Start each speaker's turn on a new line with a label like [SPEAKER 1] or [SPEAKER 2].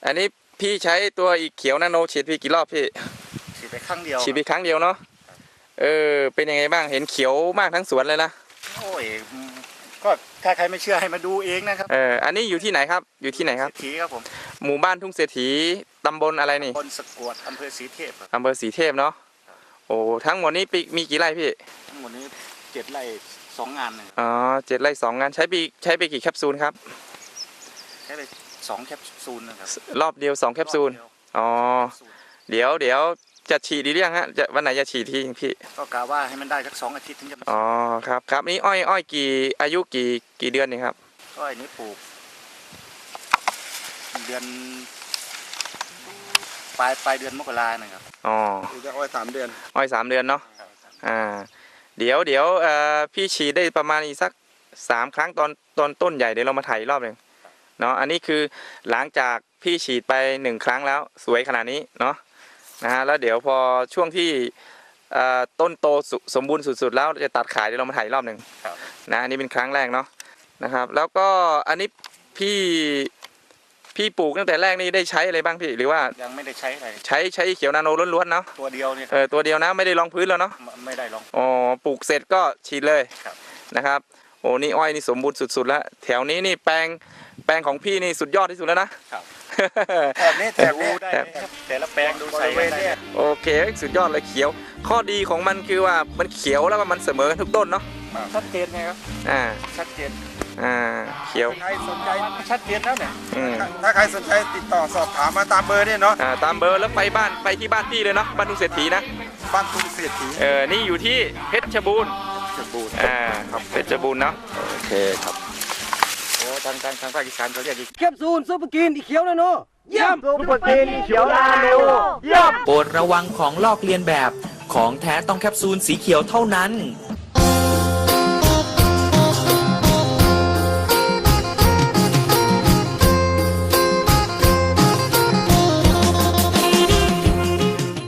[SPEAKER 1] อันนี้พี่ใช้ตัวอีเขียวนาโนฉีดพี่กี่รอบพี่
[SPEAKER 2] ฉีดไปครั้งเดียว
[SPEAKER 1] ฉีดไปครั้งเดียวเนาะเป็นยังไงบ้างเห็นเขียวมากทั้งสวนเลยนะ
[SPEAKER 2] โอ้ยก็ถ้าใครไม่เชื่อให้มาดูเองนะครับ
[SPEAKER 1] อันนี้อยู่ที่ไหนครับอยู่ที่ไหนครับ
[SPEAKER 2] ศรีครับผม
[SPEAKER 1] หมู่บ้านทุ่งเศรษฐีตำบลอะไรนี่
[SPEAKER 2] ตำบลสะกวดอำเภอศรีเทพ
[SPEAKER 1] อำเภอศรีเทพเนาะโอ้ทั้งหมดนี้มีกี่ไร่พี่
[SPEAKER 2] ทั้งหมดนี้7 ไร่2 งานเลย
[SPEAKER 1] อ๋อ7 ไร่ 2 งานใช้ไปกี่แคปซูลครับ
[SPEAKER 2] ใช้ไป2 แคปซูลนะครับ
[SPEAKER 1] รอบเดียว2 แคปซูลอ๋อเดี๋ยวจะฉีดดีหรือยังฮะจะวันไหนจะฉีดทีพี่
[SPEAKER 2] ก็กะว่าให้มันได้สัก2 อาทิตย์ถึงจะ
[SPEAKER 1] อ๋อครับนี่อ้อยกี่อายุกี่เดือนนี่ครับ
[SPEAKER 2] อ้อยนี้ปลูกเดือนปลายเดือนมกรานะครับ
[SPEAKER 1] อ๋อ
[SPEAKER 2] อ้อย3 เดือน
[SPEAKER 1] 3 เดือนเนาะเดี๋ยวพี่ฉีดได้ประมาณอีกสัก3 ครั้งตอนต้นใหญ่เดี๋ยวเรามาถ่ายรอบหนึ่งเนาะอันนี้คือหลังจากพี่ฉีดไป1 ครั้งแล้วสวยขนาดนี้เนาะนะฮะแล้วเดี๋ยวพอช่วงที่ต้นโตสมบูรณ์สุดๆแล้วจะตัดขายเดี๋ยวเรามาถ่ายรอบหนึ่งนะอันนี้เป็นครั้งแรกเนาะนะครับแล้วก็อันนี้พี่ปลูกตั้งแต่แรกนี่ได้ใช้อะไรบ้างพี่หรือว่า
[SPEAKER 2] ยังไม่ได้ใช้อะไร
[SPEAKER 1] ใช้เขียวนาโนล้วนๆเนาะ
[SPEAKER 2] ตัวเดียวเนี่ย
[SPEAKER 1] ตัวเดียวนะไม่ได้รองพื้นแล้วเนาะ
[SPEAKER 2] ไม่ได้รอง
[SPEAKER 1] อ๋อปลูกเสร็จก็ฉีดเลยนะครับโอ้นี่อ้อยนี่สมบูรณ์สุดๆแล้วแถวนี้นี่แปลงของพี่นี่สุดยอดที่สุดแล้วนะ
[SPEAKER 2] แถบนี้ได้แต่ละแปลงดูใส่ได้
[SPEAKER 1] โอเคสุดยอดเลยเขียวข้อดีของมันคือว่ามันเขียวแล้วก็มันเสมอกันทุกต้นเนาะ
[SPEAKER 2] ชัดเจนไงครับชัดเจน
[SPEAKER 1] เขียว
[SPEAKER 2] ใครสนใจชัดเจนแล้วเนี่ย
[SPEAKER 3] ถ้าใครสนใจติดต่อสอบถามมาตามเบอร์เนี่ยเนาะ
[SPEAKER 1] ตามเบอร์แล้วไปที่บ้านพี่เลยเนาะบ้านทุ่งเศรษฐีนะ
[SPEAKER 3] บ้านทุ่งเศรษฐี
[SPEAKER 1] นี่อยู่ที่เพชรบูรณ์ครับเพชรบูรณ์เนาะโอเคครับ
[SPEAKER 2] โอ้ทางภาคอีสานเขาเรียก
[SPEAKER 4] แคปซูลซุปเปอร์กินอีเขียวนาโนเยี่ยม
[SPEAKER 3] ซุปเปอร์กินอีเขียวนาโน
[SPEAKER 4] เยี่ยม
[SPEAKER 5] โปรดระวังของลอกเลียนแบบของแท้ต้องแคปซูลสีเขียวเท่านั้น